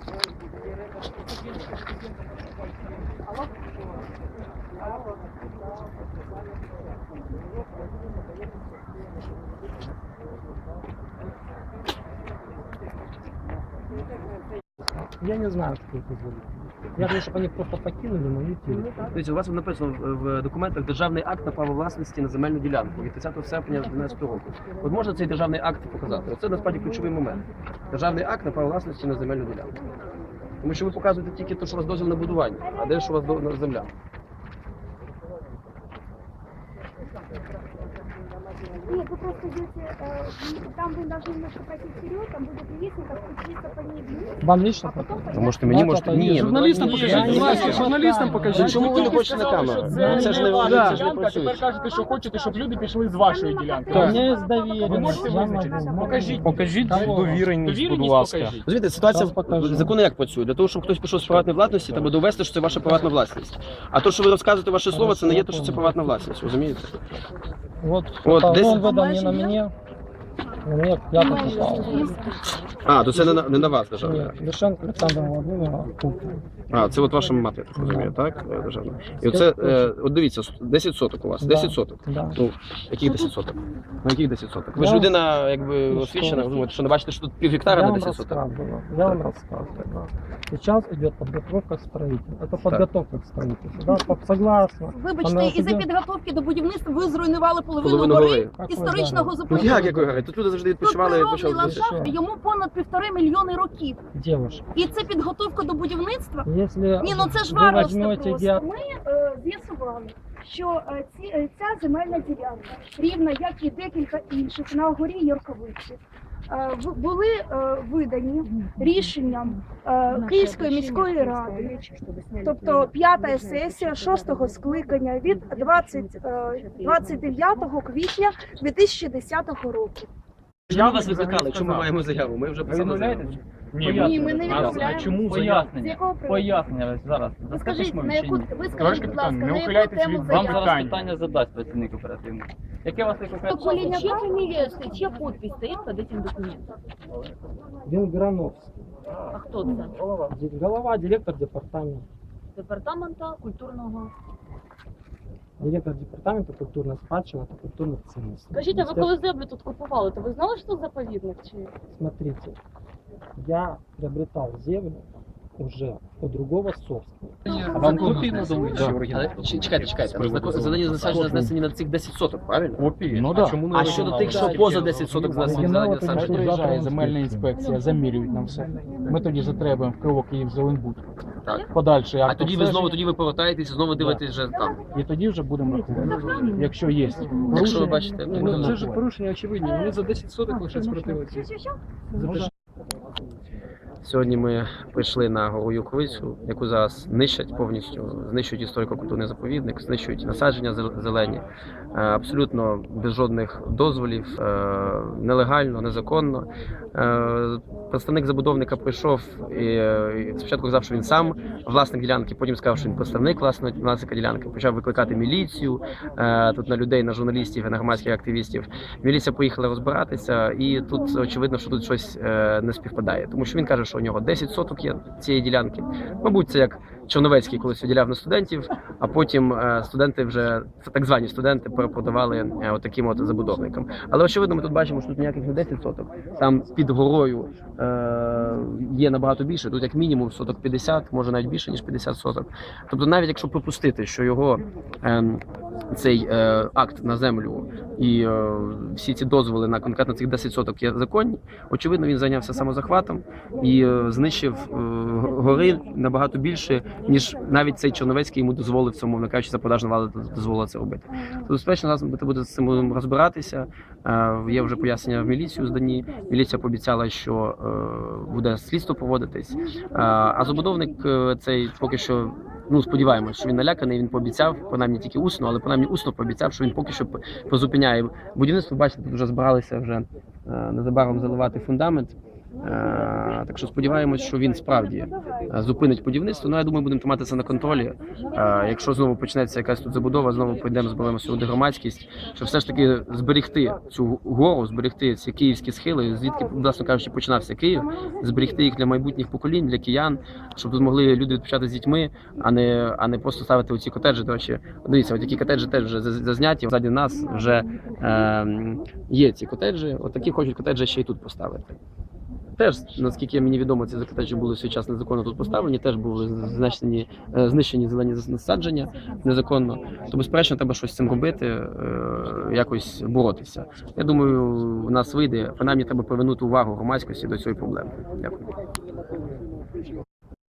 Я не знаю, что это за люди. Я думаю, чтобы они просто покинули мою территорию. Дивіться, у вас написано в документах державний акт на право власності на земельну ділянку від 30 серпня 2012 року. От можна цей державний акт показати? Це насправді ключовий момент. Державний акт на право власності на земельну ділянку. Тому що ви показуєте тільки те, що у вас дозвіл на будування, а де ж у вас земля? Нет, вы просто идете, там вы должны немножко пойти вперед, там будет лестница, спуститься по ней вниз. Вам лично А потом показать? Можете мені, можете... Ні, Журналістам ну, покажіть, будь ласка, журналістам покажіть. Чому ви не хочете на камеру? Це ж не ваша це ж не ділянка, тепер працює. кажете, що хочете, щоб люди пішли з вашої ділянки. У меня есть доверие. Ви можете я визначитися? могу. Покажіть. Покажіть довіреність, будь Довіреність ласка. покажіть. Розумієте, ситуація Зараз покажу. закони як працює? Для того, щоб хтось пішов з приватної власності, треба довести, що це ваша приватна власність. А то, що ви розказуєте ваше слово, це не є те, що це приватна власність, розумієте? Вот, Вот это здесь- он выдал не на мне. На мне я подписал. А, то це не на вас державний акт. Нет, Лишенко Александра Владимировна Купина. А, це от ваша мати, я так розумію, так? Державна. І оце, от дивіться, 10 соток у вас, 10 соток. Да. Ну, яких 10 соток? Ну, яких 10 соток? Ви ж Я- людина, якби, Ну, освічена, що? думаєте, що не бачите, що тут пів гектара Я на вам 10 соток? рассказываю. Я вам рассказываю. Да. Сейчас идет подготовка к строительству. Это подготовка к строительству. Да, согласна. Вибачте, Вона із-за собі- підготовки до будівництва ви зруйнували половину Половину гори гори. Какой історичного Ну заповідника. як говорить? Тут люди завжди Тут відпочивали, природний почали. ландшафт, йому понад 1,5 мільйони років. Девушка, І це підготовка до будівництва. если Ні, ну це ж вы варварство возьмете просто. гео- Ми з'ясували, що ця земельна ділянка, рівна як і декілька інших на горі Йорковиці, були видані рішенням Київської міської ради, тобто 5-та сесія 6-го скликання від 29 квітня 2010 року. Я вас викликали, чому ми маємо заяву? Ми вже писали заяву. Ні, ми не А відмовляємо. чому З пояснення? якого приводу? Пояснення зараз. Ви скажіть, на яку, ви Товариш скажіть, будь ласка, капітан, не на яку ухиляйтесь тему від Вам заяви? зараз питання задасть працівник оперативний. Яке у вас є конкретне? Покоління Чья фамилия стоит, чья подпись стоит под этим документом? Венграновский. А хто це? Голова, директор департамента. Департамента культурного. Директор департамента культурной спадщины и культурных ценностей. Скажіть, а ви коли землю тут купували, то ви знали, що це заповідник? Чи Смотрите, я приобретал землю уже у другого собственника. А вам копії надали чи оригінал? Але чекайте. Зелені насадження знесені на цих 10 соток, правильно? Копії? Ну так. А щодо тих, що поза 10 соток знесені зелені насадження? Приїжджає земельна інспекція, замірюють нам все. Ми тоді затребуємо в Кривок Київ Зеленбуд. Так. Подальший А акт тоді ви обстеження. знову повертаєтесь і знову дивитесь вже там. І тоді вже будемо рахувати. Якщо є Якщо ви порушення, бачите, будемо Це ж рахувати. порушення очевидні. Вони за 10 соток лише спротивилися. Сьогодні ми прийшли на гору Юрковицю, яку зараз нищать повністю, знищують історико-культурний заповідник, знищують насадження зелені, абсолютно без жодних дозволів, нелегально, незаконно. Представник забудовника прийшов і спочатку казав, що він сам власник ділянки, потім сказав, що він представник власника ділянки, почав викликати міліцію тут на людей, на журналістів і на громадських активістів. Міліція поїхала розбиратися, і тут очевидно, що тут щось не співпадає, тому що він каже, що у нього 10 соток є цієї ділянки. Мабуть, це як Черновецький колись виділяв на студентів, а потім студенти вже, так звані студенти, перепродавали отаким от забудовникам. Але очевидно, ми тут бачимо, що тут ніяких не 10 соток. Там під горою є набагато більше, тут як мінімум соток 50, може навіть більше, ніж 50 соток. Тобто навіть якщо припустити, що його цей акт на землю і всі ці дозволи на конкретно цих 10 соток є законні, очевидно, він зайнявся самозахватом і знищив гори набагато більше, ніж навіть цей Черновецький йому дозволив цьому, мовно кажучи, заподажна влада дозволила це робити. Тобто, безпечно, зараз буде з цим розбиратися. Є вже пояснення в міліцію здані. Міліція пообіцяла, що буде слідство проводитись. А забудовник цей поки що, ну, сподіваємось, що він наляканий, він пообіцяв, принаймні тільки усно, але принаймні усно пообіцяв, що він поки що призупиняє будівництво. Бачите, тут вже збиралися вже незабаром заливати фундамент. Так що сподіваємось, що він справді зупинить будівництво. Ну, я думаю, будемо триматися на контролі. Якщо знову почнеться якась тут забудова, знову підемо, зберемо сюди громадськість, щоб все ж таки зберегти цю гору, зберегти ці київські схили, звідки, власне кажучи, починався Київ, зберегти їх для майбутніх поколінь, для киян, щоб тут могли люди відпочати з дітьми, а не просто ставити оці котеджі. До речі, дивіться, от такі котеджі теж вже зазняті. Ззаді нас вже є ці котеджі. От такі хочуть котеджі ще й тут поставити. Теж, наскільки мені відомо, ці котеджі були в свій час незаконно тут поставлені, теж були знищені зелені насадження незаконно. То, безперечно, треба щось з цим робити, якось боротися. Я думаю, у нас вийде, принаймні треба привернути увагу громадськості до цієї проблеми. Дякую.